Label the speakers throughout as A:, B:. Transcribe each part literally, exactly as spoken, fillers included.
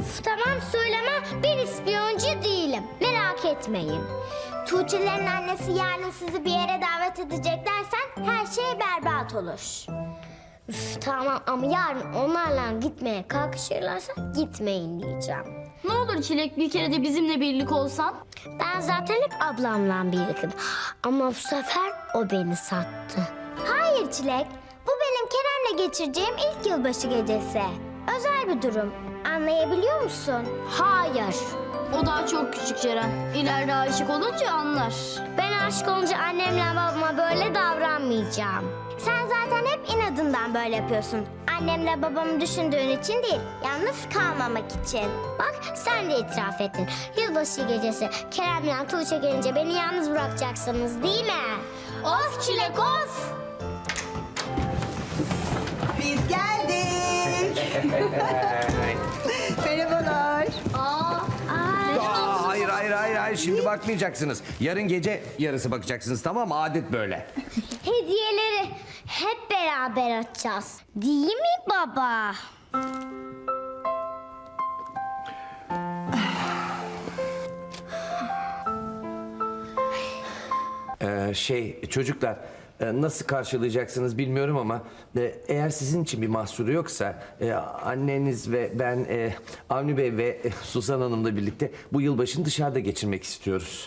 A: Üf, tamam söyleme, ben ispiyoncu değilim. Merak etmeyin. Tuğçe'lerin annesi yarın sizi bir yere davet edecek dersen her şey berbat olur. Üf, tamam ama yarın onlarla gitmeye kalkışırlarsa gitmeyin diyeceğim.
B: Ne olur Çilek, bir kere de bizimle birlik olsan.
A: Ben zaten hep ablamla birliktim. Ama bu sefer o beni sattı. Hayır Çilek, bu benim Kerem'le geçireceğim ilk yılbaşı gecesi. Özel bir durum. Anlayabiliyor musun? Hayır.
B: O daha çok küçük Ceren. İleride aşık olunca anlar.
A: Ben aşık olunca annemle babama böyle davranmayacağım. Sen zaten hep inadından böyle yapıyorsun. Annemle babamı düşündüğün için değil, yalnız kalmamak için. Bak sen de itiraf ettin. Yılbaşı gecesi Kerem'le Tuğçe gelince beni yalnız bırakacaksınız değil mi? Of Çilek of!
C: Biz geldik. Merhabalar.
B: Aa,
D: Aa, hayır hayır hayır hayır şimdi bakmayacaksınız. Yarın gece yarısı bakacaksınız, tamam mı? Adet böyle.
A: Hediyeleri hep beraber açacağız. Değil mi baba?
D: Ee, şey çocuklar, e, nasıl karşılayacaksınız bilmiyorum ama e, eğer sizin için bir mahsuru yoksa e, anneniz ve ben e, Avni Bey ve e, Suzan Hanım'la birlikte bu yılbaşını dışarıda geçirmek istiyoruz.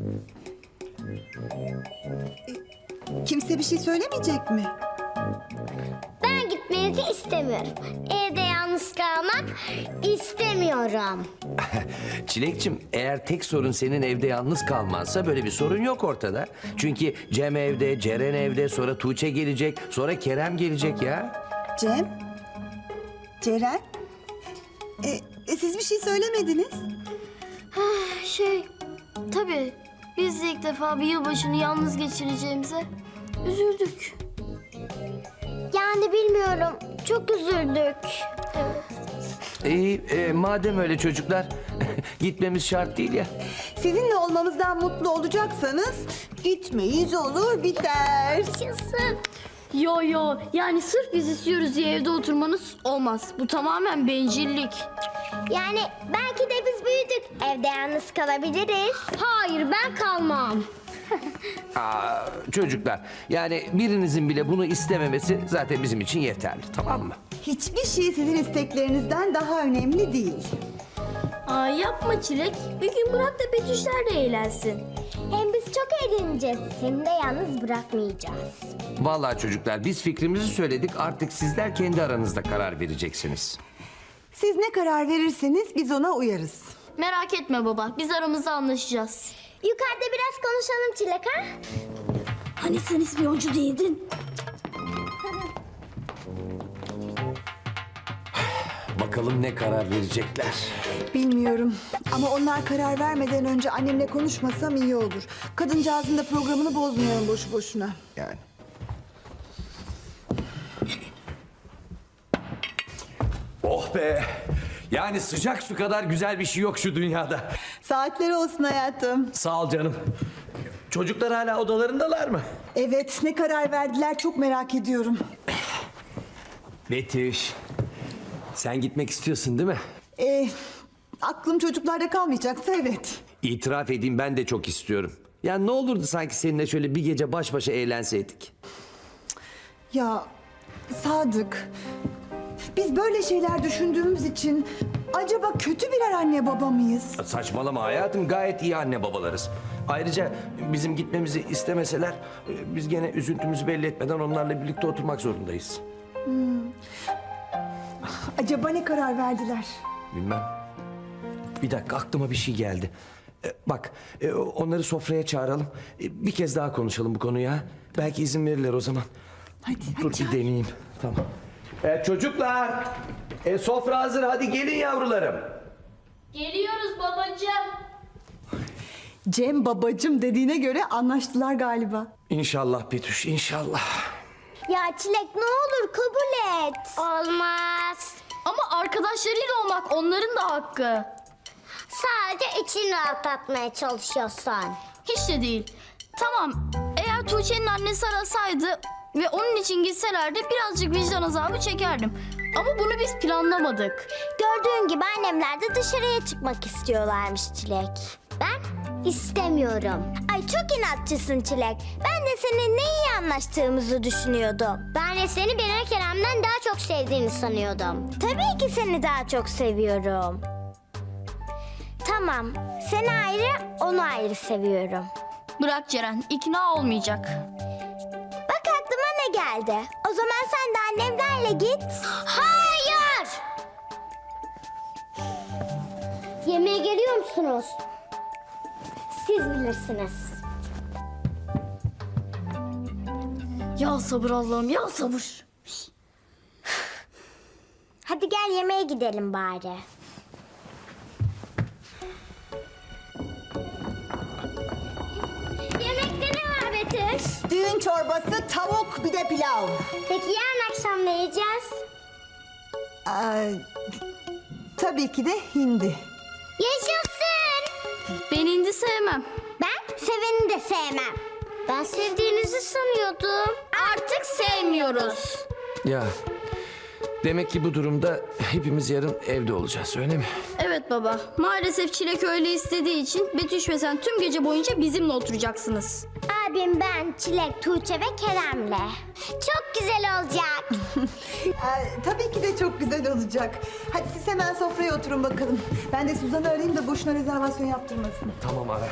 C: Kimse bir şey söylemeyecek mi?
A: Ben gitmenizi istemiyorum. Evde yalnız kalmak istemiyorum.
D: Çilekçim, eğer tek sorun senin evde yalnız kalmansa böyle bir sorun yok ortada. Çünkü Cem evde, Ceren evde, sonra Tuğçe gelecek, sonra Kerem gelecek ya.
C: Cem? Ceren? E, e, siz bir şey söylemediniz.
B: şey, tabii biz de ilk defa bir yılbaşını yalnız geçireceğimize üzüldük.
A: Yani bilmiyorum. Çok üzüldük.
D: İyi, e, madem öyle çocuklar, gitmemiz şart değil ya.
C: Sizinle olmamızdan mutlu olacaksanız gitmeyiz olur biter.
A: Yaşasın.
B: Yo yo, yani sırf biz istiyoruz diye evde oturmanız olmaz. Bu tamamen bencillik.
A: Yani belki de biz büyüdük. Evde yalnız kalabiliriz. Hayır ben kalmam.
D: Aa, çocuklar, yani birinizin bile bunu istememesi zaten bizim için yeterli, tamam mı?
C: Hiçbir şey sizin isteklerinizden daha önemli değil.
B: Aa, yapma Çilek. Bir gün bırak da Betüşler de eğlensin.
A: Hem biz çok eğleneceğiz. Seni de yalnız bırakmayacağız.
D: Vallahi çocuklar, biz fikrimizi söyledik, artık sizler kendi aranızda karar vereceksiniz.
C: Siz ne karar verirseniz biz ona uyarız.
B: Merak etme baba, biz aramızda anlaşacağız.
A: Yukarıda biraz konuşalım Çilek ha?
B: Hani sen ispiyoncu değildin?
D: Bakalım ne karar verecekler.
C: Bilmiyorum ama onlar karar vermeden önce annemle konuşmasam iyi olur. Kadıncağızın da programını bozmayalım boşu boşuna.
D: Yani. Oh be! Yani sıcak su kadar güzel bir şey yok şu dünyada.
C: Saatleri olsun hayatım.
D: Sağ ol canım. Çocuklar hala odalarındalar mı?
C: Evet, ne karar verdiler çok merak ediyorum.
D: Betüş, sen gitmek istiyorsun değil mi?
C: Ee, aklım çocuklarda kalmayacaksa evet.
D: İtiraf edeyim, ben de çok istiyorum. Ya ne olurdu sanki seninle şöyle bir gece baş başa eğlenseydik.
C: Ya Sadık, biz böyle şeyler düşündüğümüz için acaba kötü birer anne baba mıyız?
D: Saçmalama hayatım, gayet iyi anne babalarız. Ayrıca bizim gitmemizi istemeseler biz gene üzüntümüzü belli etmeden onlarla birlikte oturmak zorundayız.
C: Acaba ne karar verdiler?
D: Bilmem. Bir dakika, aklıma bir şey geldi. Ee, bak, e, onları sofraya çağıralım. E, bir kez daha konuşalım bu konuyu ha. Belki izin verirler o zaman.
C: Hadi,
D: Dur
C: hadi
D: bir deneyeyim. Tamam. E, çocuklar, e, sofra hazır. Hadi gelin yavrularım.
B: Geliyoruz babacığım.
C: Cem babacım dediğine göre anlaştılar galiba.
D: İnşallah Betüş, inşallah.
A: Ya Çilek ne olur kabul et. Olmaz.
B: Ama arkadaşlarıyla olmak onların da hakkı.
A: Sadece içini rahatlatmaya çalışıyorsan.
B: Hiç de değil. Tamam, eğer Tuğçe'nin annesi arasaydı ve onun için gitselerdi birazcık vicdan azabı çekerdim. Ama bunu biz planlamadık.
A: Gördüğün gibi annemler de dışarıya çıkmak istiyorlarmış Çilek. Ben istemiyorum. Ay çok inatçısın Çilek. Ben de seninle iyi anlaştığımızı düşünüyordum. Ben de seni Beren Kerem'den daha çok sevdiğini sanıyordum. Tabii ki seni daha çok seviyorum. Tamam, seni ayrı, onu ayrı seviyorum.
B: Bırak Ceren, ikna olmayacak.
A: Bak aklıma ne geldi. O zaman sen de annemlerle git. Hayır! Yemeğe geliyor musunuz? Siz bilirsiniz.
B: Ya sabır Allah'ım, ya sabır.
A: Hadi gel yemeğe gidelim bari. Yemekte ne var Betüş?
C: Düğün çorbası, tavuk, bir de pilav.
A: Peki yarın akşam ne yiyeceğiz?
C: Ee, tabii ki de hindi.
A: Yaşasın!
B: Ben hindi sevmem.
A: Ben seveni de sevmem. Ben sevdiğinizi sanıyordum.
B: Artık sevmiyoruz.
D: Ya demek ki bu durumda hepimiz yarın evde olacağız öyle mi?
B: Evet baba, maalesef Çilek öyle istediği için Betüş ve sen tüm gece boyunca bizimle oturacaksınız.
A: Abim, ben, Çilek, Tuğçe ve Kerem'le. Çok güzel olacak.
C: Ee, tabii ki de çok güzel olacak. Hadi siz hemen sofraya oturun bakalım. Ben de Suzan'ı arayayım da boşuna rezervasyon yaptırmasın.
D: Tamam ara.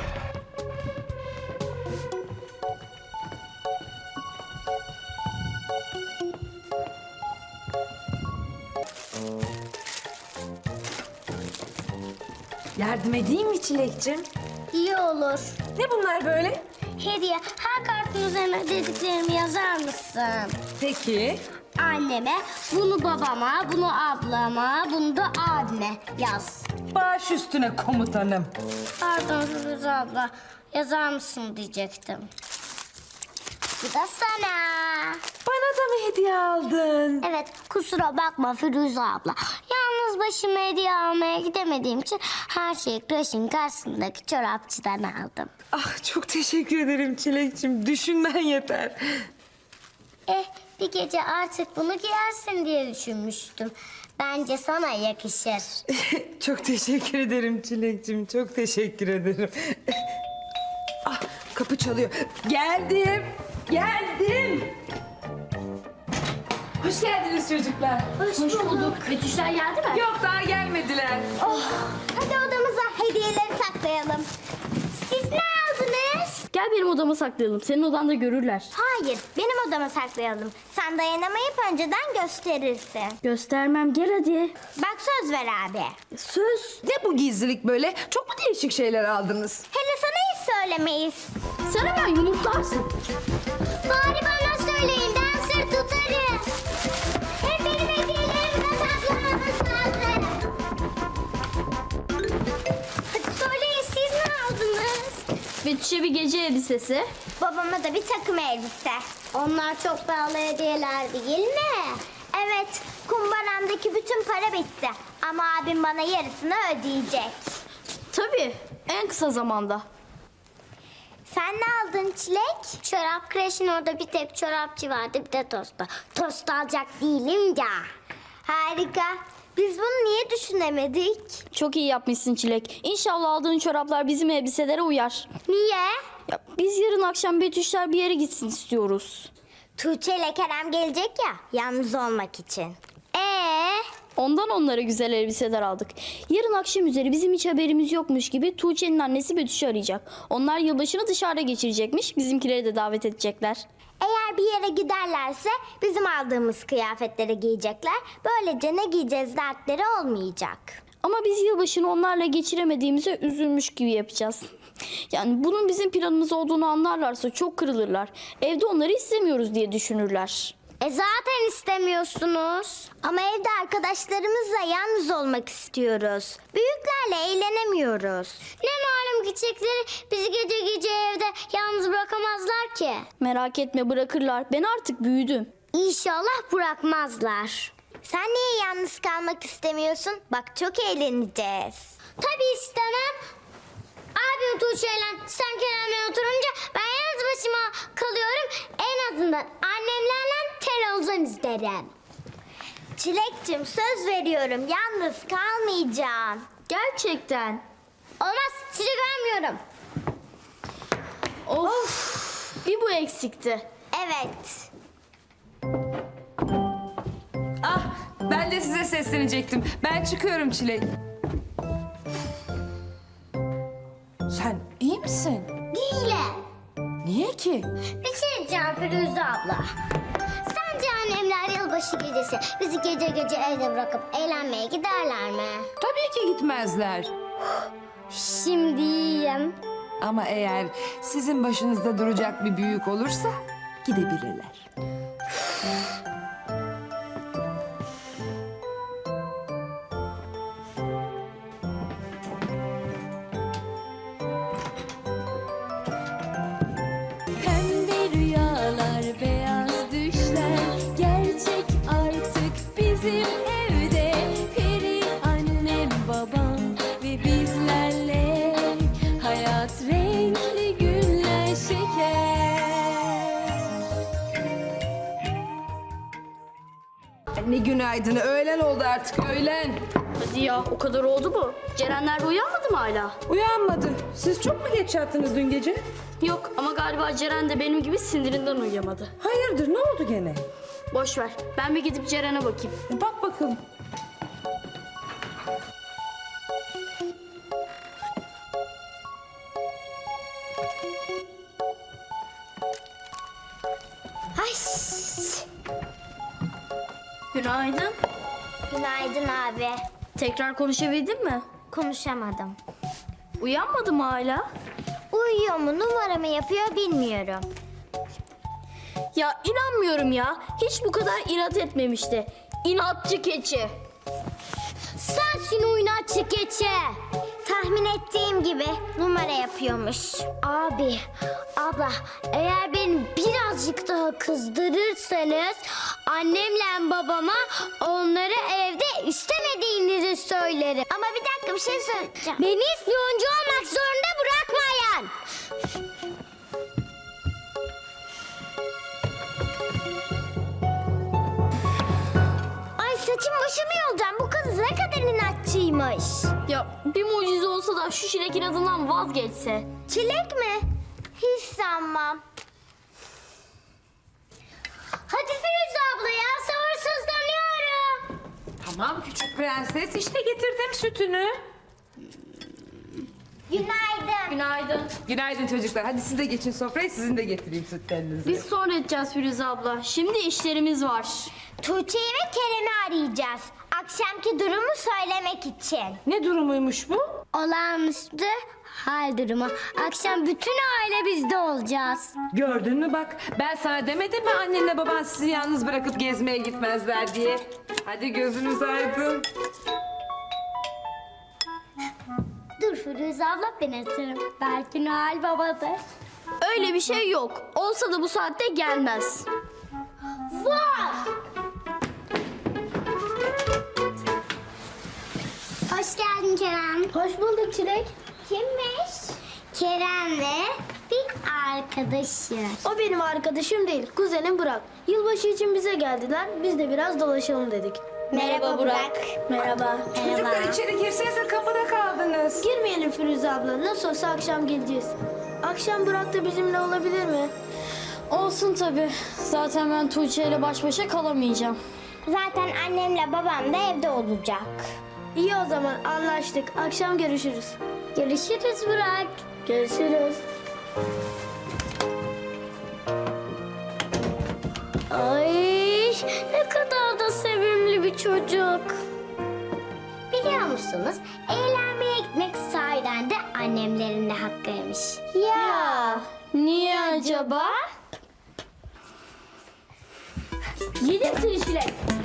E: Yardım edeyim mi Çilek'cim?
A: İyi olur.
E: Ne bunlar böyle?
A: Hediye, her kartın üzerine dediklerimi yazar mısın?
E: Peki.
A: Anneme, bunu babama, bunu ablama, bunu da abime yaz.
E: Baş üstüne komutanım.
A: Pardon Firuze abla, yazar mısın diyecektim. Bu da sana.
E: Bana da mı hediye aldın?
A: Evet, kusura bakma Firuze abla. Yalnız başıma hediye almaya gidemediğim için her şeyi kreşin karşısındaki çorapçıdan aldım.
E: Ah çok teşekkür ederim Çilek'cim. Düşünmen yeter.
A: Eh, bir gece artık bunu giyersin diye düşünmüştüm. Bence sana yakışır.
E: Çok teşekkür ederim Çilek'cim. Çok teşekkür ederim. Ah kapı çalıyor. Geldim. Geldim. Hoş geldiniz çocuklar.
A: Hoş, bulduk.
B: Betüşler geldi mi?
E: Yok daha gelmediler.
A: Oh, hadi odamıza hediyeleri saklayalım. Siz ne aldınız?
B: Gel benim odama saklayalım. Senin odanda görürler.
A: Hayır, benim odama saklayalım. Sen dayanamayıp önceden gösterirsin.
B: Göstermem, gel hadi.
A: Bak söz ver abi.
B: Söz.
E: Ne bu gizlilik böyle? Çok mu değişik şeyler aldınız?
A: Hele sana hiç söylemeyiz.
B: Sen hemen yumurtlarsın.
A: Bari bana söyleyin, ben sır tutarım. Hem benim hediyelerimi de saklamanız lazım. Hadi söyleyin, siz ne aldınız?
B: Betüş'e bir gece elbisesi.
A: Babama da bir takım elbise. Onlar çok pahalı hediyeler değil mi? Evet, kumbaramdaki bütün para bitti. Ama abim bana yarısını ödeyecek.
B: Tabii, en kısa zamanda.
A: Sen ne aldın Çilek? Çorap kreşin orada bir tek çorapçı vardı, bir de tosta. Tost alacak değilim ya. Harika. Biz bunu niye düşünemedik?
B: Çok iyi yapmışsın Çilek. İnşallah aldığın çoraplar bizim elbiselere uyar.
A: Niye?
B: Ya, biz yarın akşam Betüşler bir yere gitsin istiyoruz.
A: Tuğçe ile Kerem gelecek ya, yalnız olmak için. Ee?
B: Ondan onlara güzel elbiseler aldık. Yarın akşam üzeri bizim hiç haberimiz yokmuş gibi Tuğçe'nin annesi Betüş'ü arayacak. Onlar yılbaşını dışarıda geçirecekmiş. Bizimkileri de davet edecekler.
A: Eğer bir yere giderlerse bizim aldığımız kıyafetleri giyecekler. Böylece ne giyeceğiz dertleri olmayacak.
B: Ama biz yılbaşını onlarla geçiremediğimize üzülmüş gibi yapacağız. Yani bunun bizim planımız olduğunu anlarlarsa çok kırılırlar. Evde onları istemiyoruz diye düşünürler.
A: E zaten istemiyorsunuz. Ama evde arkadaşlarımızla yalnız olmak istiyoruz. Büyüklerle eğlenemiyoruz. Ne malum küçükleri bizi gece gece evde yalnız bırakamazlar ki.
B: Merak etme, bırakırlar. Ben artık büyüdüm.
A: İnşallah bırakmazlar. Sen niye yalnız kalmak istemiyorsun? Bak çok eğleneceğiz. Tabii istemem. Abim Tuğçe'yle sen Kerem'le oturunca ben yalnız başıma kalıyorum. En azından annemlerle televizyon izlerim. Çilek'cim söz veriyorum yalnız kalmayacağım.
B: Gerçekten.
A: Olmaz sizi görmüyorum.
B: Of. Bir bu eksikti.
A: Evet.
E: Ah, ben de size seslenecektim. Ben çıkıyorum Çilek. Sen iyi misin?
A: Değilim.
E: Niye ki?
A: Bir şey diyeceğim Firuze abla. Sence annemler yılbaşı gecesi bizi gece gece evde bırakıp eğlenmeye giderler mi?
E: Tabii ki gitmezler.
A: Şimdi iyiyim.
E: Ama eğer sizin başınızda duracak bir büyük olursa gidebilirler.
F: Pembe rüyalar, beyaz düşler gerçek artık bizim evde. Peri annem, babam ve bizlerle hayat renkli günler şeker.
E: Ne günaydın, öğlen oldu artık, öğlen.
B: Hadi ya o kadar oldu mu? Cerenler de uyanmadı mı hala?
E: Uyanmadı. Siz çok mu geç yattınız dün gece?
B: Yok ama galiba Ceren de benim gibi sinirinden uyuyamadı.
E: Hayırdır, ne oldu gene?
B: Boş ver. Ben bir gidip Ceren'e bakayım.
E: Bak bakalım.
A: Ay.
B: Günaydın.
A: Günaydın abi.
B: Tekrar konuşabildin mi?
A: Konuşamadım.
B: Uyanmadı mı hala?
A: Uyuyor mu numara mı yapıyor bilmiyorum.
B: Ya inanmıyorum ya. Hiç bu kadar inat etmemişti. İnatçı keçi.
A: Sensin oynatçı keçi. Tahmin ettiğim gibi numara yapıyormuş. Abi, abla eğer beni birazcık daha kızdırırsanız annemle babama onları evde istemediğinizi söylerim. Ama bir dakika bir şey söyleyeceğim. Beni ispiyoncu olmak zorunda bırakmayın. Ay saçım başımı yolacağım. Bu kız ne kadar inatçıymış.
B: Ya bir mucize olsa da şu Çilek inadından vazgeçse.
A: Çilek mi? Hiç sanmam. Hadi Firuze abla ya sabırsızlanıyorum.
E: Tamam küçük prenses, işte getirdim sütünü.
A: Günaydın.
B: Günaydın.
E: Günaydın çocuklar. Hadi siz de geçin sofraya, sizin de getireyim sütlerinizi.
B: Biz sonra edeceğiz Firuze abla. Şimdi işlerimiz var.
A: Tuğçe'yi ve Kerem'i arayacağız. Akşamki durumu söylemek için.
E: Ne durumuymuş bu?
A: Olağanüstü hal durumu. Akşam bütün aile bizde olacağız.
E: Gördün mü bak, ben sana demedim mi annenle baban sizi yalnız bırakıp gezmeye gitmezler diye. Hadi gözünüz aydın.
A: Dur Firuze abla ben atarım. Belki Noel babadır.
B: Öyle bir şey yok. Olsa da bu saatte gelmez.
A: Var. Hoş geldin Kerem.
B: Hoş bulduk Çilek.
A: Kimmiş? Kerem ve bir arkadaşı.
G: O benim arkadaşım değil, kuzenim Burak. Yılbaşı için bize geldiler, biz de biraz dolaşalım dedik.
A: Merhaba Burak.
G: Merhaba.
E: Çocuklar içeri girsenize, kapıda kaldınız.
G: Girmeyelim Firuze abla, nasıl olsa akşam geleceğiz. Akşam Burak da bizimle olabilir mi?
B: Olsun tabii. Zaten ben Tuğçe ile baş başa kalamayacağım.
A: Zaten annemle babam da evde olacak.
G: İyi o zaman anlaştık, akşam görüşürüz.
A: Görüşürüz Burak.
G: Görüşürüz.
A: Ay ne kadar da sevimli bir çocuk. Biliyor musunuz? Eğlenmeye gitmek sahiden de annemlerin de hakkıymış.
B: Ya niye acaba? Yedim seni Çilek.